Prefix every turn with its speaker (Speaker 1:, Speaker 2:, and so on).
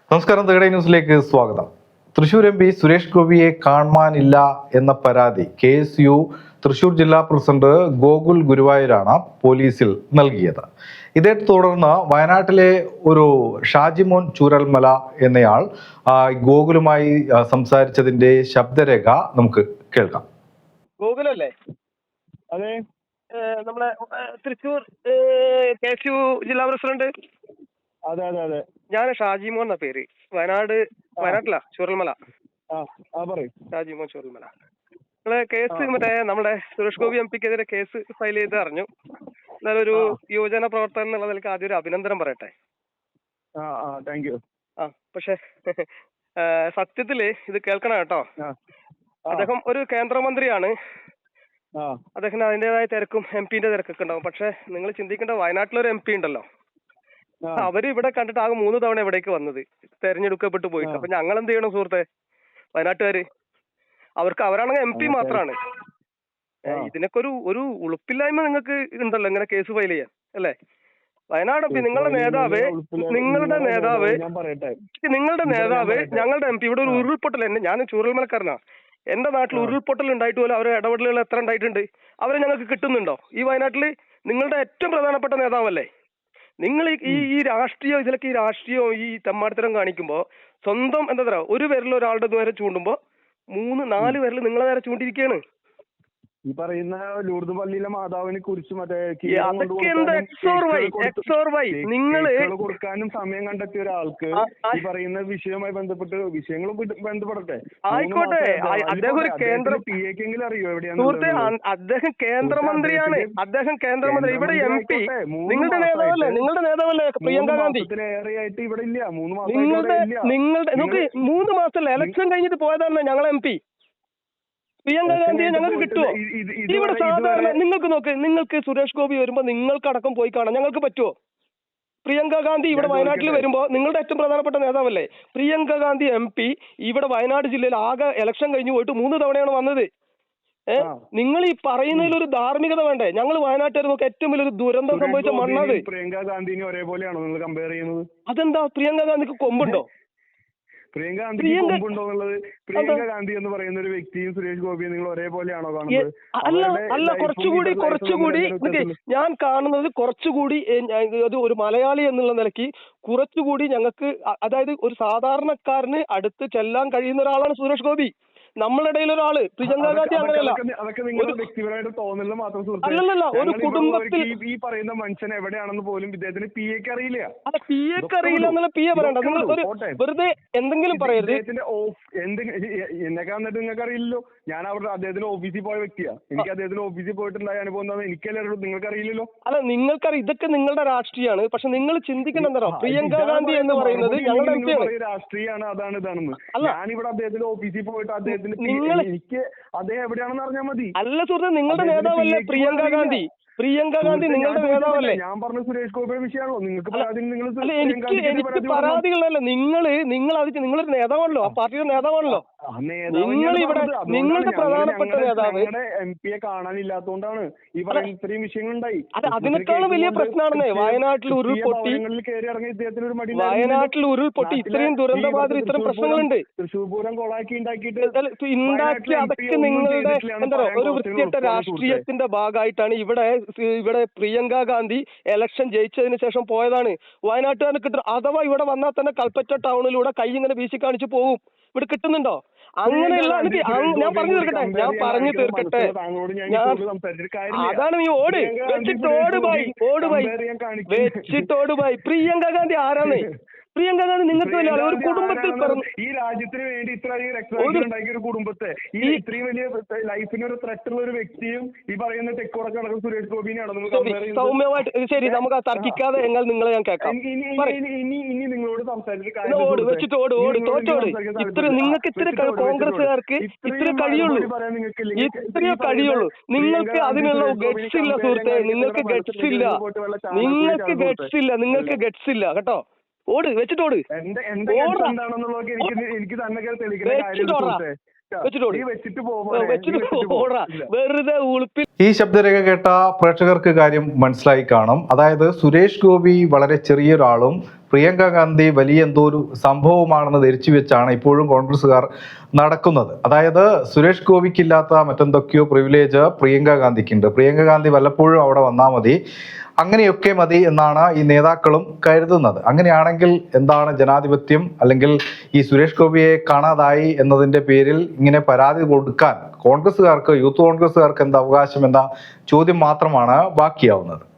Speaker 1: നമസ്കാരം, തേടൈ ന്യൂസിലേക്ക് സ്വാഗതം. തൃശൂർ എം പി സുരേഷ് ഗോപിയെ കാണാനില്ല എന്ന പരാതി KSU തൃശൂർ ജില്ലാ പ്രസിഡന്റ് ഗോകുൽ ഗുരുവായൂരാണ് പോലീസിൽ നൽകിയത്. ഇതേ തുടർന്ന് വയനാട്ടിലെ ഒരു ഷാജിമോൻ ചൂരൽമല എന്നയാൾ ഗോകുലുമായി സംസാരിച്ചതിന്റെ ശബ്ദരേഖ നമുക്ക് കേൾക്കാം.
Speaker 2: ഗോകുലല്ലേ?
Speaker 3: അതെ,
Speaker 2: നമ്മളെ തൃശൂർ KSU ജില്ലാ പ്രസിഡന്റ്.
Speaker 3: അതെ അതെ അതെ
Speaker 2: ഞാൻ ഷാജിമോൻ എന്ന പേര്. വയനാട്ടിലാ, ചൂരൽമല.
Speaker 3: പറയും
Speaker 2: ഷാജിമോൻ ചൂരൽമല. നിങ്ങളെ കേസ് മറ്റേ നമ്മുടെ സുരേഷ് ഗോപി MP-ക്കെതിരെ കേസ് ഫയൽ ചെയ്ത് അറിഞ്ഞു. എന്നാലും ഒരു യുവജന പ്രവർത്തകൻ എന്നുള്ള നിലയ്ക്ക് ആദ്യം ഒരു അഭിനന്ദനം പറയട്ടെ.
Speaker 3: Thank you.
Speaker 2: പക്ഷെ സത്യത്തില് ഇത് കേൾക്കണം കേട്ടോ. അദ്ദേഹം ഒരു കേന്ദ്രമന്ത്രിയാണ്. അദ്ദേഹത്തിന് അതിന്റേതായ തിരക്കും MP-ന്റെ തിരക്കൊക്കെ ഉണ്ടാവും. പക്ഷെ നിങ്ങൾ ചിന്തിക്കേണ്ട, വയനാട്ടിലൊരു MP ഉണ്ടല്ലോ, അവര് ഇവിടെ കണ്ടിട്ട് ആകെ 3 തവണ ഇവിടേക്ക് വന്നത്, തെരഞ്ഞെടുക്കപ്പെട്ടു പോയിട്ട്. അപ്പൊ ഞങ്ങൾ എന്ത് ചെയ്യണം സുഹൃത്തെ? വയനാട്ടുകാര് അവരാണെങ്കിൽ MP മാത്രമാണ്. ഇതിനൊക്കെ ഒരു ഉളുപ്പില്ലായ്മ നിങ്ങൾക്ക് ഉണ്ടല്ലോ ഇങ്ങനെ കേസ് ഫയൽ ചെയ്യാൻ, അല്ലേ? വയനാട് നിങ്ങളുടെ നേതാവ് ഞങ്ങളുടെ MP ഇവിടെ ഒരു ഉരുൾപൊട്ടൽ, ഞാൻ ചൂരൽമലക്കാരനാ, എന്റെ നാട്ടിൽ ഉരുൾപൊട്ടൽ ഉണ്ടായിട്ട് പോലും അവരെ ഇടപെടലുകൾ എത്ര ഉണ്ടായിട്ടുണ്ട്? അവരെ ഞങ്ങൾക്ക് കിട്ടുന്നുണ്ടോ? ഈ വയനാട്ടില് നിങ്ങളുടെ ഏറ്റവും പ്രധാനപ്പെട്ട നേതാവല്ലേ നിങ്ങൾ? ഈ രാഷ്ട്രീയം, ഇതിലൊക്കെ ഈ രാഷ്ട്രീയവും ഈ തെമ്മാടിത്തരം കാണിക്കുമ്പോ സ്വന്തം എന്താ പറയാ, ഒരു വിരൽ ഒരാളുടെ നേരെ ചൂണ്ടുമ്പോ 3-4 വിരൽ നിങ്ങളെ നേരെ ചൂണ്ടിരിക്കുകയാണ്.
Speaker 3: ഈ പറയുന്ന ലൂർദ് പള്ളിയിലെ മാതാവിനെ കുറിച്ച്
Speaker 2: നിങ്ങള്
Speaker 3: കൊടുക്കാനും സമയം കണ്ടെത്തിയ ഒരാൾക്ക് ഈ പറയുന്ന വിഷയവുമായി ബന്ധപ്പെട്ട് വിഷയങ്ങളും ബന്ധപ്പെടട്ടെ.
Speaker 2: ആയിക്കോട്ടെ, അദ്ദേഹം ഒരു
Speaker 3: PAക്കെങ്കിലും അറിയോ എവിടെയാണ്?
Speaker 2: സുഹൃത്തെ, അദ്ദേഹം കേന്ദ്രമന്ത്രിയാണ്. കേന്ദ്രമന്ത്രി. ഇവിടെ MP നിങ്ങളുടെ നേതാവല്ലേ പ്രിയങ്ക ഗാന്ധി?
Speaker 3: ഏറെയായിട്ട് ഇവിടെ ഇല്ല, 3 മാസം.
Speaker 2: നിങ്ങളുടെ നോക്ക്, 3 മാസമല്ല, ഇലക്ഷൻ കഴിഞ്ഞിട്ട് പോയതാണ് ഞങ്ങളെ MP. പ്രിയങ്ക ഗാന്ധിയെ ഞങ്ങൾക്ക് കിട്ടുമോ? ഇവിടെ സാധാരണ നിങ്ങൾക്ക് നോക്ക്, നിങ്ങൾക്ക് സുരേഷ് ഗോപി വരുമ്പോ നിങ്ങൾക്കടക്കം പോയി കാണാം, ഞങ്ങൾക്ക് പറ്റുമോ? പ്രിയങ്ക ഗാന്ധി ഇവിടെ വയനാട്ടിൽ വരുമ്പോ നിങ്ങളുടെ ഏറ്റവും പ്രധാനപ്പെട്ട നേതാവല്ലേ പ്രിയങ്ക ഗാന്ധി MP? ഇവിടെ വയനാട് ജില്ലയിൽ ആകെ ഇലക്ഷൻ കഴിഞ്ഞു പോയിട്ട് 3 തവണയാണ് വന്നത്. നിങ്ങൾ ഈ പറയുന്നതിൽ ഒരു ധാർമ്മികത വേണ്ടേ? ഞങ്ങൾ വയനാട്ടുകാർ നോക്ക്, ഏറ്റവും വലിയൊരു ദുരന്തം സംഭവിച്ച മണ്ണത്.
Speaker 3: പ്രിയങ്ക ഗാന്ധിനെ ഒരേപോലെയാണോ നിങ്ങൾ കമ്പയർ ചെയ്യുന്നത്?
Speaker 2: അതെന്താ, പ്രിയങ്ക ഗാന്ധിക്ക് കൊമ്പുണ്ടോ?
Speaker 3: പ്രിയങ്ക ഗാന്ധി കൊമ്പുണ്ടോ എന്നുള്ളത്, പ്രിയങ്ക ഗാന്ധി എന്ന് പറയുന്ന ഒരു വ്യക്തിയും സുരേഷ് ഗോപിയും നിങ്ങൾ ഒരേപോലെയാണോ കാണുന്നത്?
Speaker 2: അല്ല, കുറച്ചുകൂടി ഞാൻ കാണുന്നത് കുറച്ചുകൂടി ഒരു മലയാളി എന്നുള്ള നിലയ്ക്ക് കുറച്ചുകൂടി ഞങ്ങൾക്ക്, അതായത് ഒരു സാധാരണക്കാരന് അടുത്ത് ചെല്ലാൻ കഴിയുന്ന ഒരാളാണ് സുരേഷ് ഗോപി. നമ്മളിടയിൽ ഒരാള് പ്രിയങ്ക ഗാന്ധി അങ്ങനെയല്ല.
Speaker 3: അതൊക്കെ നിങ്ങളുടെ വ്യക്തിപരമായിട്ട് തോന്നലിൽ മാത്രം.
Speaker 2: അല്ലല്ല, ഒരു കുടുംബത്തിൽ
Speaker 3: ഈ പറയുന്ന മനുഷ്യൻ എവിടെയാണെന്ന് പോലും ഇദ്ദേഹത്തിന് PAക്ക് അറിയില്ല.
Speaker 2: PAക്ക് അറിയില്ല എന്നുള്ള PA പറയണ്ട. നിങ്ങൾ വെറുതെ എന്തെങ്കിലും പറയരുത്.
Speaker 3: എന്നെക്കാ എന്നിട്ട് നിങ്ങൾക്ക് അറിയില്ലല്ലോ. ഞാൻ അവിടെ അദ്ദേഹത്തിന്റെ ഓഫീസിൽ പോയ വ്യക്തിയാ. എനിക്ക് അദ്ദേഹത്തിന്റെ ഓഫീസിൽ പോയിട്ടുണ്ടായ അനുഭവം എന്താ എനിക്കല്ലേ അറിയുള്ളൂ, നിങ്ങൾക്ക് അറിയില്ലല്ലോ.
Speaker 2: അല്ല, നിങ്ങൾക്കറിയാം, ഇതൊക്കെ നിങ്ങളുടെ രാഷ്ട്രീയമാണ്. പക്ഷെ നിങ്ങൾ ചിന്തിക്കണം എന്താ, പ്രിയങ്ക ഗാന്ധി എന്ന് പറയുന്നത് ഞങ്ങളുടെ MP ആണ്.
Speaker 3: രാഷ്ട്രീയമാണ്, അതാണ് ഇതാണെന്ന്. ഞാനിവിടെ അദ്ദേഹത്തിന്റെ ഓഫീസിൽ പോയിട്ട് എനിക്ക് അദ്ദേഹം എവിടെയാണെന്ന് അറിഞ്ഞാൽ മതി.
Speaker 2: അല്ല സുഹൃത്തെ, നിങ്ങളുടെ നേതാവല്ലേ പ്രിയങ്ക ഗാന്ധി? പ്രിയങ്ക ഗാന്ധി നിങ്ങളുടെ നേതാവല്ലേ?
Speaker 3: ഞാൻ പറഞ്ഞ സുരേഷ് ഗോപിയുടെ വിഷയമാണല്ലോ നിങ്ങൾക്ക് പരാതി.
Speaker 2: എനിക്ക് പരാതികളല്ല. നിങ്ങളൊരു നേതാവാണല്ലോ, ആ പാർട്ടിയുടെ നേതാവാണല്ലോ. നിങ്ങളുടെ പ്രധാനപ്പെട്ട നേതാവ്
Speaker 3: MP-യെ കാണാനില്ലാത്തതുകൊണ്ടാണ് ഈ പറയുന്ന ഇത്രയും വിഷയങ്ങളുണ്ടായി.
Speaker 2: അതിനേക്കാളും വലിയ പ്രശ്നമാണെന്നേ വയനാട്ടിൽ ഉരുൾപൊട്ടി. ഇത്രയും ദുരന്തബാധിത ഇത്രയും പ്രശ്നങ്ങളുണ്ട്.
Speaker 3: തൃശ്ശൂർ പൂരം കൊളാക്കി ഉണ്ടാക്കി
Speaker 2: അതൊക്കെ നിങ്ങളുടെ എന്താ പറയുക, ഒരു വൃത്തികെട്ട രാഷ്ട്രീയത്തിന്റെ ഭാഗമായിട്ടാണ്. ഇവിടെ പ്രിയങ്ക ഗാന്ധി ഇലക്ഷൻ ജയിച്ചതിന് ശേഷം പോയതാണ്. വയനാട്ടുകാർക്ക് കിട്ടും. അഥവാ ഇവിടെ വന്നാൽ തന്നെ കൽപ്പറ്റ ടൗണിലൂടെ കൈ ഇങ്ങനെ വീശി കാണിച്ചു പോകും. ഇവിടെ കിട്ടുന്നുണ്ടോ? അങ്ങനെയുള്ള ഞാൻ പറഞ്ഞു തീർക്കട്ടെ. അതാണ് നീ വെച്ചിട്ടോട് ബൈ. പ്രിയങ്ക ഗാന്ധി ആരാണ്? പ്രിയങ്ക ഗാന്ധി നിങ്ങൾക്ക് തന്നെയാണ്. ഒരു കുടുംബത്തിൽ പിറന്നു,
Speaker 3: ഈ രാജ്യത്തിന് വേണ്ടി ഇത്രയും രക്തസാക്ഷികൾ ഉണ്ടാക്കിയ ഒരു കുടുംബത്തെ, ഈ ഇത്രയും വലിയ ലൈഫിന് ഒരു ത്രെറ്റ് ഉള്ള ഒരു വ്യക്തിയും ഈ പറയുന്ന തെക്കോടൊക്കെ നടക്കുന്ന സുരേഷ് ഗോപിനെയാണ്
Speaker 2: സൗമ്യമായിട്ട്. ശരി, നമുക്ക് ആ തർക്കിക്കാതെ നിങ്ങളെ ഞാൻ കേൾക്കാം.
Speaker 3: ഇനി നിങ്ങളോട് സംസാരിച്ചിട്ട്
Speaker 2: നിങ്ങൾക്ക് ഇത്ര കോൺഗ്രസ്സുകാർക്ക് ഇത്രേ കഴിയുള്ളൂ. നിങ്ങൾക്ക് അതിനുള്ള ഗട്സ് ഇല്ല സുഹൃത്തെ. നിങ്ങൾക്ക് ഗട്സ് ഇല്ല കേട്ടോ. വെച്ചിട്ടോട്.
Speaker 1: ഈ ശബ്ദരേഖ കേട്ട പ്രേക്ഷകർക്ക് കാര്യം മനസ്സിലായി കാണും. അതായത് സുരേഷ് ഗോപി വളരെ ചെറിയൊരാളും പ്രിയങ്ക ഗാന്ധി വലിയ എന്തോ ഒരു സംഭവമാണെന്ന് ധരിച്ചു വെച്ചാണ് ഇപ്പോഴും കോൺഗ്രസ്സുകാർ നടക്കുന്നത്. അതായത് സുരേഷ് ഗോപിക്കില്ലാത്ത മറ്റെന്തൊക്കെയോ പ്രിവിലേജ് പ്രിയങ്ക ഗാന്ധിക്കുണ്ട്. പ്രിയങ്ക ഗാന്ധി വല്ലപ്പോഴും അവിടെ വന്നാൽ മതി, അങ്ങനെയൊക്കെ മതി എന്നാണ് ഈ നേതാക്കളും കരുതുന്നത്. അങ്ങനെയാണെങ്കിൽ എന്താണ് ജനാധിപത്യം? അല്ലെങ്കിൽ ഈ സുരേഷ് ഗോപിയെ കാണാതായി എന്നതിൻ്റെ പേരിൽ ഇങ്ങനെ പരാതി കൊടുക്കാൻ കോൺഗ്രസ്സുകാർക്ക്, യൂത്ത് കോൺഗ്രസ്സുകാർക്ക് എന്ത് അവകാശം എന്ന ചോദ്യം മാത്രമാണ് ബാക്കിയാവുന്നത്.